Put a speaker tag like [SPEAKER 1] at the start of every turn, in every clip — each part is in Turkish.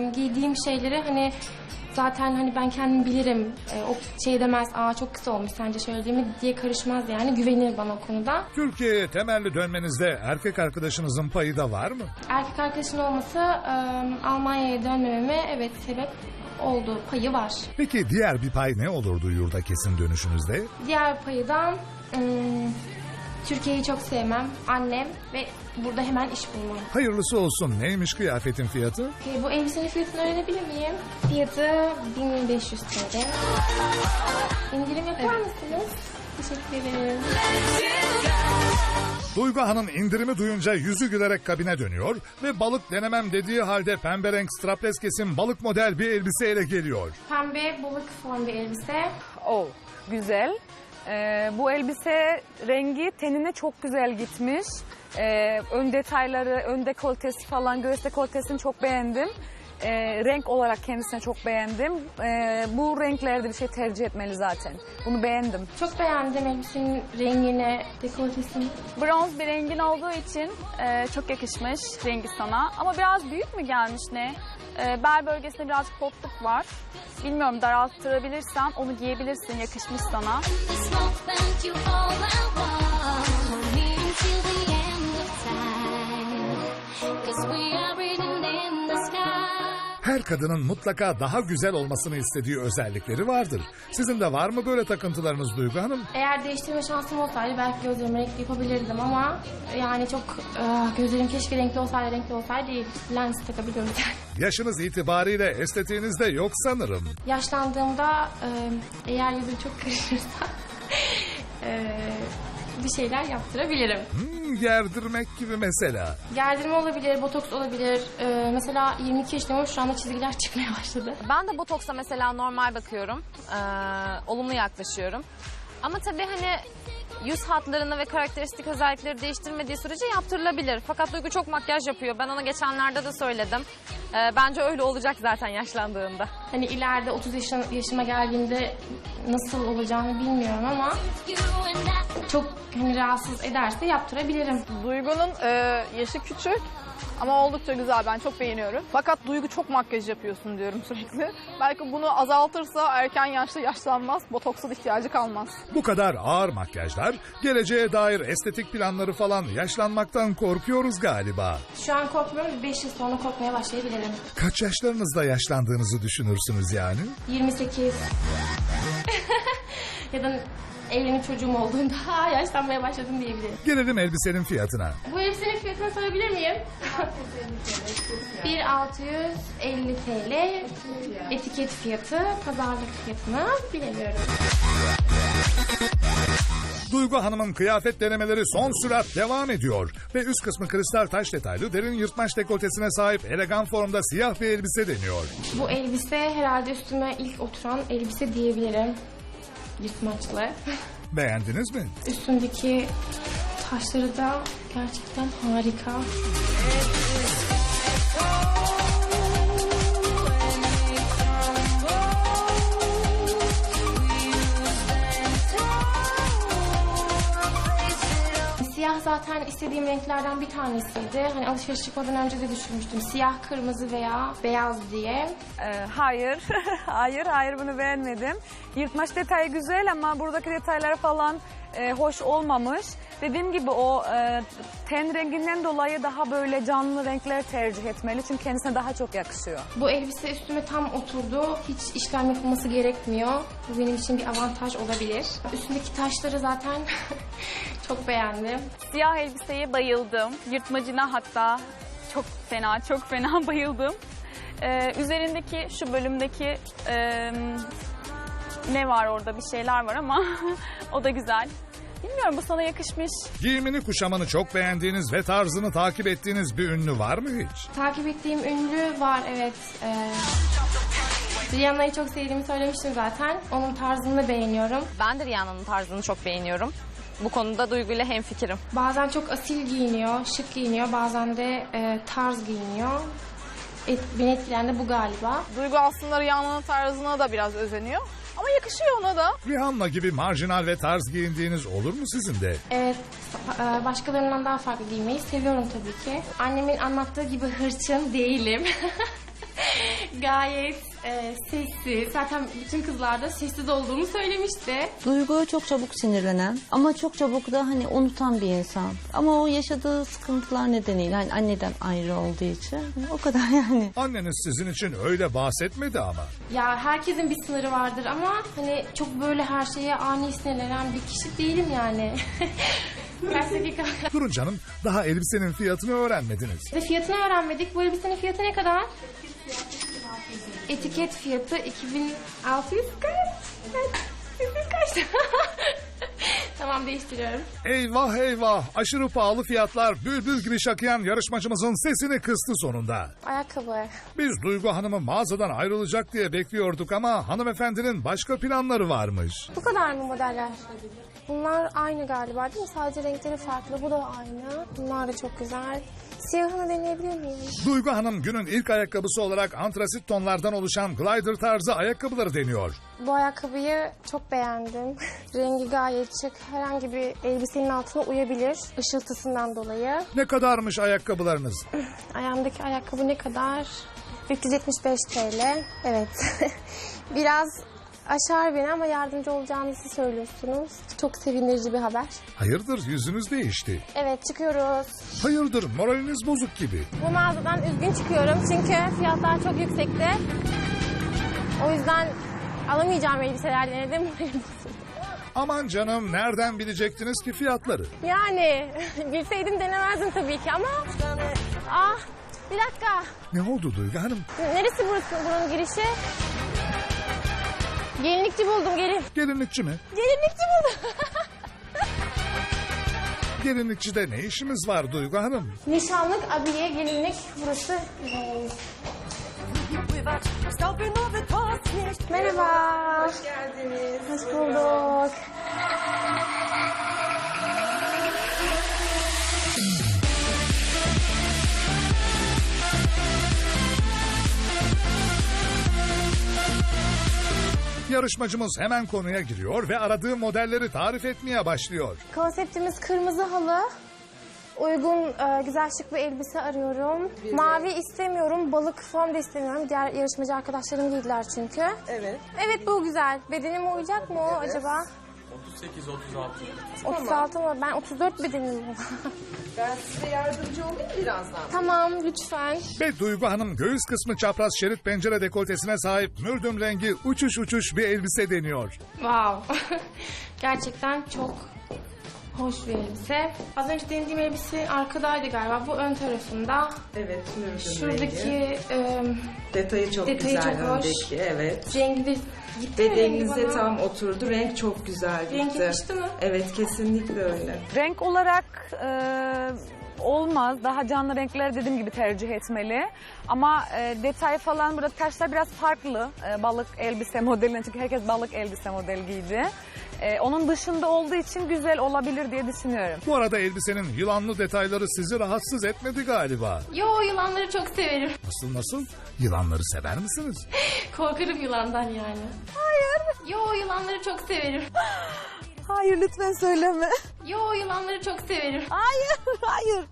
[SPEAKER 1] giydiğim şeyleri hani zaten hani ben kendim bilirim. O şey demez, aa çok kısa olmuş sence şöyle değil mi diye karışmaz yani. Güvenir bana o konuda.
[SPEAKER 2] Türkiye'ye temelli dönmenizde erkek arkadaşınızın payı da var mı?
[SPEAKER 1] Erkek arkadaşın olması Almanya'ya dönmememe evet sebep oldu. Payı var.
[SPEAKER 2] Peki diğer bir pay ne olurdu yurda kesin dönüşünüzde?
[SPEAKER 1] Diğer payı da Türkiye'yi çok sevmem. Annem ve burada hemen iş bulmam.
[SPEAKER 2] Hayırlısı olsun. Neymiş kıyafetin fiyatı?
[SPEAKER 1] Bu elbisenin fiyatını öğrenebilir miyim? Fiyatı 1500 TL. İndirim yapar mısınız? Teşekkür ederim.
[SPEAKER 2] Duygu Hanım indirimi duyunca yüzü gülerek kabine dönüyor ve balık denemem dediği halde pembe renk strapless kesim balık model bir elbiseyle geliyor.
[SPEAKER 1] Pembe balık fon bir elbise.
[SPEAKER 3] Oh, güzel. Bu elbise rengi tenine çok güzel gitmiş. Ön detayları, ön dekoltesi falan, göğüs dekoltesini çok beğendim. Renk olarak kendisine çok beğendim. Bu renklerde bir şey tercih etmeli zaten. Bunu beğendim.
[SPEAKER 1] Çok beğendim elbisenin rengini, dekoltesini.
[SPEAKER 4] Bronz bir rengin olduğu için çok yakışmış rengi sana. Ama biraz büyük mü gelmiş ne? Bel bölgesinde birazcık potluk var. Bilmiyorum, daralttırabilirsen onu giyebilirsin, yakışmış sana.
[SPEAKER 2] Her kadının mutlaka daha güzel olmasını istediği özellikleri vardır. Sizin de var mı böyle takıntılarınız Duygu Hanım?
[SPEAKER 1] Eğer değiştirme şansım olsaydı belki gözlerimi renkli yapabilirdim ama yani çok gözlerim keşke renkli olsaydı değil. Lens takabiliyorum yani.
[SPEAKER 2] Yaşınız itibariyle estetiğiniz de yok sanırım.
[SPEAKER 1] Yaşlandığımda eğer yüzüm çok karışırsa bir şeyler yaptırabilirim.
[SPEAKER 2] Gerdirmek gibi mesela.
[SPEAKER 1] Gerdirme olabilir, botoks olabilir. Mesela 22 yaşındayım, şu anda çizgiler çıkmaya başladı.
[SPEAKER 5] Ben de botoksa mesela normal bakıyorum. Olumlu yaklaşıyorum. Ama tabii hani yüz hatlarını ve karakteristik özellikleri değiştirmediği sürece yaptırılabilir. Fakat Duygu çok makyaj yapıyor. Ben ona geçenlerde de söyledim. Bence öyle olacak zaten yaşlandığında.
[SPEAKER 1] Hani ileride 30 yaşıma geldiğimde nasıl olacağını bilmiyorum ama çok hani rahatsız ederse yaptırabilirim.
[SPEAKER 6] Duygu'nun yaşı küçük ama oldukça güzel. Ben çok beğeniyorum. Fakat Duygu çok makyaj yapıyorsun diyorum sürekli. Belki bunu azaltırsa erken yaşta yaşlanmaz. Botoksa da ihtiyacı kalmaz.
[SPEAKER 2] Bu kadar ağır makyajlar, geleceğe dair estetik planları falan yaşlanmaktan korkuyoruz galiba.
[SPEAKER 1] Şu an korkmuyorum, 5 yıl sonra korkmaya başlayabilirim.
[SPEAKER 2] Kaç yaşlarınızda yaşlandığınızı düşünürsünüz yani?
[SPEAKER 1] 28. Ya da evlenip çocuğum olduğunda yaşlanmaya başladım diyebilirim.
[SPEAKER 2] Gelelim elbisenin fiyatına.
[SPEAKER 1] Bu elbisenin fiyatını sorabilir miyim? 1650 TL etiket fiyatı, pazarlık fiyatını bilemiyorum.
[SPEAKER 2] Duygu Hanım'ın kıyafet denemeleri son sürat devam ediyor. Ve üst kısmı kristal taş detaylı derin yırtmaç dekoltesine sahip elegan formda siyah bir elbise deniyor.
[SPEAKER 1] Bu elbise herhalde üstüme ilk oturan elbise diyebilirim. Yırtmaçlı.
[SPEAKER 2] Beğendiniz mi?
[SPEAKER 1] Üstündeki taşları da gerçekten harika. Siyah zaten istediğim renklerden bir tanesiydi. Hani alışveriş çıkmadan önce de düşünmüştüm. Siyah, kırmızı veya beyaz diye.
[SPEAKER 3] Hayır, hayır bunu beğenmedim. Yırtmaç detayı güzel ama buradaki detaylar falan hoş olmamış. Dediğim gibi o ten renginden dolayı daha böyle canlı renkler tercih etmeli. Çünkü kendisine daha çok yakışıyor.
[SPEAKER 1] Bu elbise üstüme tam oturdu. Hiç işlem yapılması gerekmiyor. Bu benim için bir avantaj olabilir. Üstündeki taşları zaten çok beğendim.
[SPEAKER 4] Siyah elbiseye bayıldım. Yırtmacına hatta çok fena bayıldım. Üzerindeki şu bölümdeki ne var orada, bir şeyler var ama o da güzel. Bilmiyorum, bu sana yakışmış.
[SPEAKER 2] Giyimini kuşamını çok beğendiğiniz ve tarzını takip ettiğiniz bir ünlü var mı hiç?
[SPEAKER 1] Takip ettiğim ünlü var, evet. Rihanna'yı çok sevdiğimi söylemiştim zaten. Onun tarzını beğeniyorum.
[SPEAKER 5] Ben de Rihanna'nın tarzını çok beğeniyorum. Bu konuda Duygu ile hemfikirim.
[SPEAKER 1] Bazen çok asil giyiniyor, şık giyiniyor. Bazen de tarz giyiniyor. Beni etkileyen de bu galiba.
[SPEAKER 6] Duygu aslında Rihanna'nın tarzına da biraz özeniyor. Ama yakışıyor ona da.
[SPEAKER 2] Rihanna gibi marjinal ve tarz giyindiğiniz olur mu sizin de?
[SPEAKER 1] Evet, başkalarından daha farklı giymeyi seviyorum tabii ki. Annemin anlattığı gibi hırçın değilim. Gayet sessiz. Zaten bütün kızlar da sessiz olduğumu söylemişti.
[SPEAKER 7] Duyguya çok çabuk sinirlenen ama çok çabuk da hani unutan bir insan. Ama o yaşadığı sıkıntılar nedeniyle hani anneden ayrı olduğu için o kadar yani.
[SPEAKER 2] Anneniz sizin için öyle bahsetmedi ama.
[SPEAKER 1] Ya herkesin bir sınırı vardır ama hani çok böyle her şeye ani sinirlenen bir kişi değilim yani. Kaç dakika?
[SPEAKER 2] Durun canım, daha elbisenin fiyatını öğrenmediniz.
[SPEAKER 1] Fiyatını öğrenmedik. Bu elbisenin fiyatı ne kadar? Etiket fiyatı 2600 kaç? Tamam, değiştiriyorum.
[SPEAKER 2] Eyvah eyvah, aşırı pahalı fiyatlar bülbül gibi şakıyan yarışmacımızın sesini kıstı sonunda.
[SPEAKER 1] Ayakkabı.
[SPEAKER 2] Biz Duygu Hanım'ı mağazadan ayrılacak diye bekliyorduk ama hanımefendinin başka planları varmış.
[SPEAKER 1] Bu kadar mı modeller? Bunlar aynı galiba değil mi? Sadece renkleri farklı. Bu da aynı. Bunlar da çok güzel. Siyahını deneyebilir miyim?
[SPEAKER 2] Duygu Hanım günün ilk ayakkabısı olarak antrasit tonlardan oluşan glider tarzı ayakkabıları deniyor.
[SPEAKER 1] Bu ayakkabıyı çok beğendim. Rengi gayet şık. Herhangi bir elbisenin altına uyabilir. Işıltısından dolayı.
[SPEAKER 2] Ne kadarmış ayakkabılarınız?
[SPEAKER 1] Ayağımdaki ayakkabı ne kadar? 375 TL. Evet. Biraz aşar beni ama yardımcı olacağınızı söylüyorsunuz. Çok sevindirici bir haber.
[SPEAKER 2] Hayırdır, yüzünüz değişti.
[SPEAKER 1] Evet, çıkıyoruz.
[SPEAKER 2] Hayırdır, moraliniz bozuk gibi.
[SPEAKER 1] Bu mağazadan üzgün çıkıyorum çünkü fiyatlar çok yüksekti. O yüzden alamayacağım elbiseler denedim.
[SPEAKER 2] Aman canım, nereden bilecektiniz ki fiyatları?
[SPEAKER 1] Yani bilseydim denemezdim tabii ki ama... Ah, bir dakika.
[SPEAKER 2] Ne oldu Duygu Hanım?
[SPEAKER 1] Neresi burası, bunun girişi? Gelinlikçi buldum, gelin.
[SPEAKER 2] Gelinlikçi mi?
[SPEAKER 1] Gelinlikçi buldum.
[SPEAKER 2] Gelinlikçide ne işimiz var Duygu Hanım?
[SPEAKER 1] Nişanlık, abiye, gelinlik burası. Merhaba. Hoş geldiniz. Hoş bulduk.
[SPEAKER 2] Yarışmacımız hemen konuya giriyor ve aradığı modelleri tarif etmeye başlıyor.
[SPEAKER 1] Konseptimiz kırmızı halı. Uygun, güzel şık bir elbise arıyorum. Mavi istemiyorum, balık form da istemiyorum. Diğer yarışmacı arkadaşlarım giydiler çünkü.
[SPEAKER 8] Evet.
[SPEAKER 1] Evet, bu güzel. Bedenime uyacak mı o acaba? 38-36. 36 mı? Ben 34 bedenim.
[SPEAKER 8] Ben size yardımcı olayım birazdan.
[SPEAKER 1] Tamam, lütfen.
[SPEAKER 2] Ve Duygu Hanım göğüs kısmı çapraz şerit pencere dekoltesine sahip mürdüm rengi uçuş uçuş bir elbise deniyor.
[SPEAKER 1] Wow. Gerçekten çok hoş bir elbise. Az önce denediğim elbise arkadaydı galiba. Bu ön tarafında.
[SPEAKER 8] Evet, mürdüm rengi.
[SPEAKER 1] Şuradaki
[SPEAKER 8] Detayı çok
[SPEAKER 1] detayı
[SPEAKER 8] güzel
[SPEAKER 1] çok hoş.
[SPEAKER 8] öndeki, evet.
[SPEAKER 1] rengi de gitti mi rengi
[SPEAKER 8] Bedeninize
[SPEAKER 1] bana?
[SPEAKER 8] tam oturdu. Renk çok güzel gitti.
[SPEAKER 1] Renk yakıştı mı?
[SPEAKER 8] Evet, kesinlikle öyle.
[SPEAKER 3] Renk olarak olmaz. Daha canlı renkler dediğim gibi tercih etmeli. Ama detay falan burada taşlar biraz farklı. Balık elbise modeline çünkü herkes balık elbise model giydi. Onun dışında olduğu için güzel olabilir diye düşünüyorum.
[SPEAKER 2] Bu arada elbisenin yılanlı detayları sizi rahatsız etmedi galiba.
[SPEAKER 1] Yo, yılanları çok severim.
[SPEAKER 2] Nasıl? Yılanları sever misiniz?
[SPEAKER 1] Korkarım yılandan yani. Hayır. Yo, yılanları çok severim.
[SPEAKER 7] Hayır lütfen söyleme.
[SPEAKER 1] Yo, yılanları çok severim.
[SPEAKER 7] Hayır.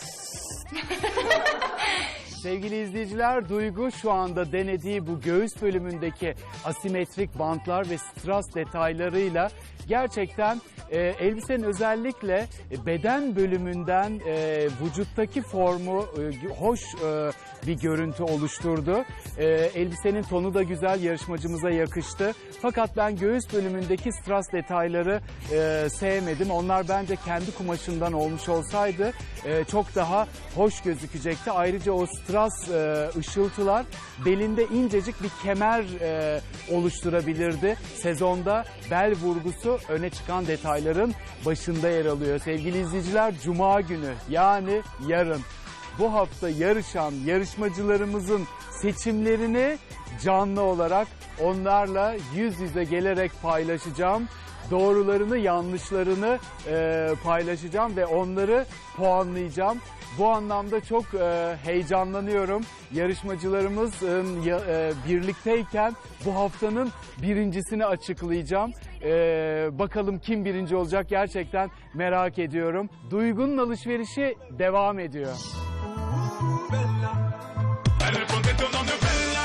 [SPEAKER 9] Sevgili izleyiciler, Duygu şu anda denediği bu göğüs bölümündeki asimetrik bantlar ve strass detaylarıyla gerçekten elbisenin özellikle beden bölümünden vücuttaki formu hoş bir görüntü oluşturdu. Elbisenin tonu da güzel, yarışmacımıza yakıştı. Fakat ben göğüs bölümündeki strass detayları sevmedim. Onlar bence kendi kumaşından olmuş olsaydı çok daha hoş gözükecekti. Ayrıca o strass ışıltılar belinde incecik bir kemer oluşturabilirdi. Sezonda bel vurgusu öne çıkan detayların başında yer alıyor. Sevgili izleyiciler, Cuma günü yani yarın bu hafta yarışan yarışmacılarımızın seçimlerini canlı olarak onlarla yüz yüze gelerek paylaşacağım. Doğrularını, yanlışlarını paylaşacağım ve onları puanlayacağım. Bu anlamda çok heyecanlanıyorum. Yarışmacılarımız birlikteyken bu haftanın birincisini açıklayacağım. Bakalım kim birinci olacak, gerçekten merak ediyorum. Duygu'nun alışverişi devam ediyor.
[SPEAKER 10] Bella, ponte tu nome bella.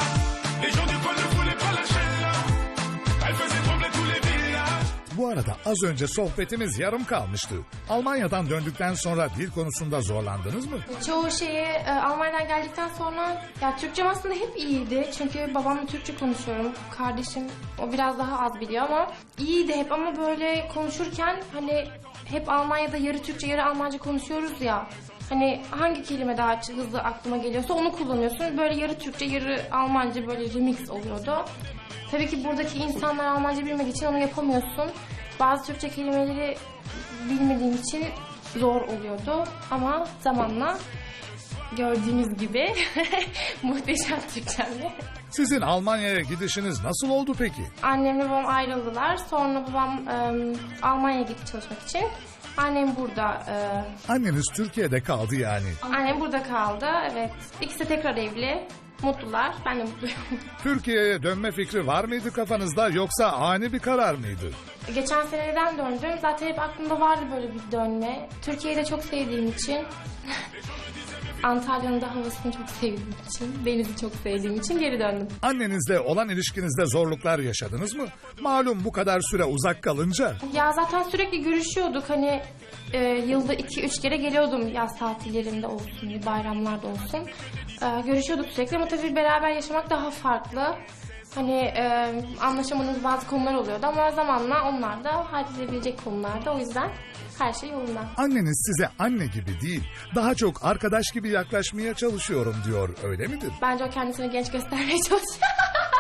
[SPEAKER 2] arada az önce sohbetimiz yarım kalmıştı. Almanya'dan döndükten sonra dil konusunda zorlandınız mı?
[SPEAKER 1] Çoğu şeyi Almanya'dan geldikten sonra ya Türkçem aslında hep iyiydi. Çünkü babamla Türkçe konuşuyorum. Kardeşim o biraz daha az biliyor ama iyiydi hep ama böyle konuşurken hani hep Almanya'da yarı Türkçe yarı Almanca konuşuyoruz ya. Hani hangi kelime daha hızlı aklıma geliyorsa onu kullanıyorsun. Böyle yarı Türkçe yarı Almanca böyle remix oluyordu. Tabii ki buradaki insanlar Almanca bilmediği için onu yapamıyorsun. Bazı Türkçe kelimeleri bilmediğim için zor oluyordu. Ama zamanla gördüğünüz gibi muhteşem Türkçemle.
[SPEAKER 2] Sizin Almanya'ya gidişiniz nasıl oldu peki?
[SPEAKER 1] Annemle babam ayrıldılar. Sonra babam Almanya'ya gitti çalışmak için. Annem burada.
[SPEAKER 2] Anneniz Türkiye'de kaldı yani.
[SPEAKER 1] Annem burada kaldı. Evet. İkisi de tekrar evli. Mutlular. Ben de mutluyum.
[SPEAKER 2] Türkiye'ye dönme fikri var mıydı kafanızda yoksa ani bir karar mıydı?
[SPEAKER 1] Geçen seneden döndüm. Zaten hep aklımda vardı böyle bir dönme. Türkiye'yi de çok sevdiğim için. Antalya'nın da havasını çok sevdiğim için, denizi çok sevdiğim için geri döndüm.
[SPEAKER 2] Annenizle olan ilişkinizde zorluklar yaşadınız mı? Malum bu kadar süre uzak kalınca.
[SPEAKER 1] Ya zaten sürekli görüşüyorduk. Hani yılda 2-3 kere geliyordum yaz tatillerinde olsun, bayramlarda olsun. Görüşüyorduk sürekli ama tabii beraber yaşamak daha farklı. Hani anlaşamadığımız bazı konular oluyordu ama zamanla onlar da halledilebilecek konularda. O yüzden her şey yolunda.
[SPEAKER 2] Anneniz size anne gibi değil, daha çok arkadaş gibi yaklaşmaya çalışıyorum diyor, öyle midir?
[SPEAKER 1] Bence o kendisini genç göstermeye çalışıyor.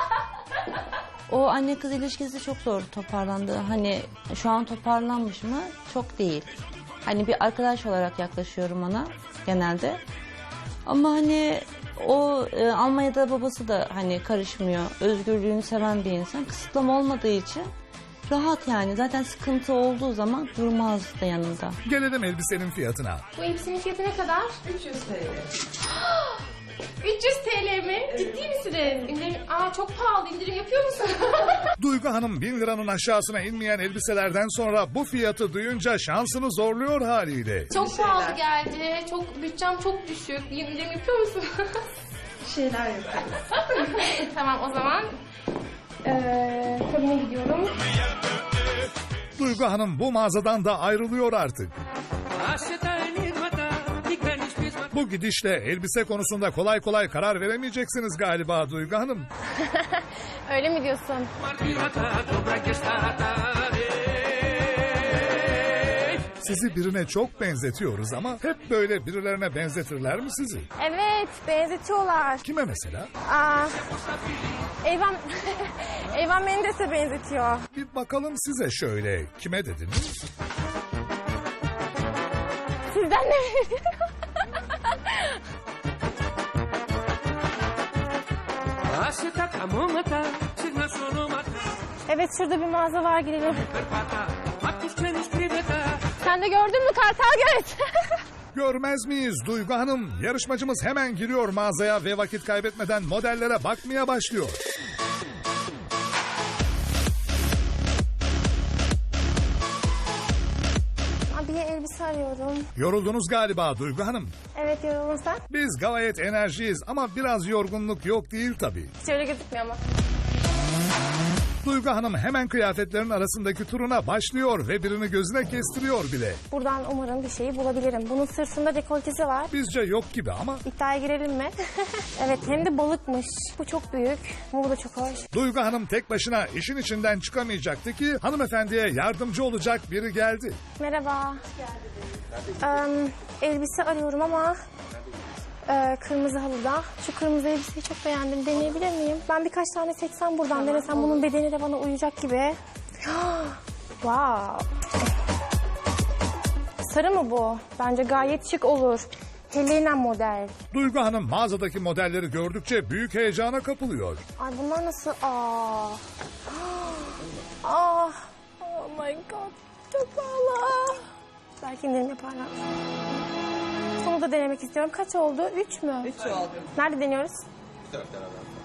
[SPEAKER 7] O anne kız ilişkisi çok zor toparlandı. Hani şu an toparlanmış mı? Çok değil. Hani bir arkadaş olarak yaklaşıyorum ona genelde. Ama hani o Almanya'da babası da hani karışmıyor. Özgürlüğünü seven bir insan. Kısıtlama olmadığı için rahat yani. Zaten sıkıntı olduğu zaman durmaz da yanında.
[SPEAKER 2] Gelelim elbisenin fiyatına.
[SPEAKER 1] Bu elbisenin fiyatı ne kadar?
[SPEAKER 8] 300 TL.
[SPEAKER 1] 300 TL mi? Ciddi misiniz? İndirim, çok pahalı. İndirim yapıyor musun?
[SPEAKER 2] Duygu Hanım 1000 liranın aşağısına inmeyen elbiselerden sonra bu fiyatı duyunca şansını zorluyor haliyle.
[SPEAKER 1] Çok pahalı geldi. Bütçem çok düşük. İndirim yapıyor musun?
[SPEAKER 8] Bir şeyler yaparız.
[SPEAKER 1] Tamam o zaman kabine gidiyorum.
[SPEAKER 2] Duygu Hanım bu mağazadan da ayrılıyor artık. Bu gidişle elbise konusunda kolay kolay karar veremeyeceksiniz galiba Duygu Hanım.
[SPEAKER 1] Öyle mi diyorsun?
[SPEAKER 2] Sizi birine çok benzetiyoruz ama hep böyle birilerine benzetirler mi sizi?
[SPEAKER 1] Evet, benzetiyorlar.
[SPEAKER 2] Kime mesela?
[SPEAKER 1] Eyvan Mendes'e benzetiyor.
[SPEAKER 2] Bir bakalım size şöyle. Kime dediniz?
[SPEAKER 1] Sizden ne? Evet, şurada bir mağaza var, girelim. Sen de gördün mü Kartal Göz?
[SPEAKER 2] Görmez miyiz Duygu Hanım? Yarışmacımız hemen giriyor mağazaya ve vakit kaybetmeden modellere bakmaya başlıyor.
[SPEAKER 1] Abiye elbise arıyorum.
[SPEAKER 2] Yoruldunuz galiba Duygu Hanım.
[SPEAKER 1] Evet, yoruldun sen.
[SPEAKER 2] Biz gayet enerjiyiz ama biraz yorgunluk yok değil tabii.
[SPEAKER 1] Hiç öyle gözükmüyor ama.
[SPEAKER 2] Duygu Hanım hemen kıyafetlerin arasındaki turuna başlıyor ve birini gözüne kestiriyor bile.
[SPEAKER 1] Buradan umarım bir şeyi bulabilirim. Bunun sırtında dekoltesi var.
[SPEAKER 2] Bizce yok gibi ama
[SPEAKER 1] İddiaya girelim mi? Evet, hem de balıkmış. Bu çok büyük. Bu da çok hoş.
[SPEAKER 2] Duygu Hanım tek başına işin içinden çıkamayacaktı ki hanımefendiye yardımcı olacak biri geldi.
[SPEAKER 1] Merhaba. Elbise arıyorum ama kırmızı halıda. Şu kırmızı elbiseyi çok beğendim. Deneyebilir miyim? Ben birkaç tane seçsem buradan denesem bunun bedeni de bana uyacak gibi. Wow. Sarı mı bu? Bence gayet şık olur. Helena model.
[SPEAKER 2] Duygu Hanım mağazadaki modelleri gördükçe büyük heyecana kapılıyor.
[SPEAKER 1] Ay bunlar nasıl? Oh my god. Çok pahalı. Belki indirim yaparlar. Bunu da denemek istiyorum. Kaç oldu? 3 mü?
[SPEAKER 8] 3 oldu.
[SPEAKER 1] Nerede deniyoruz?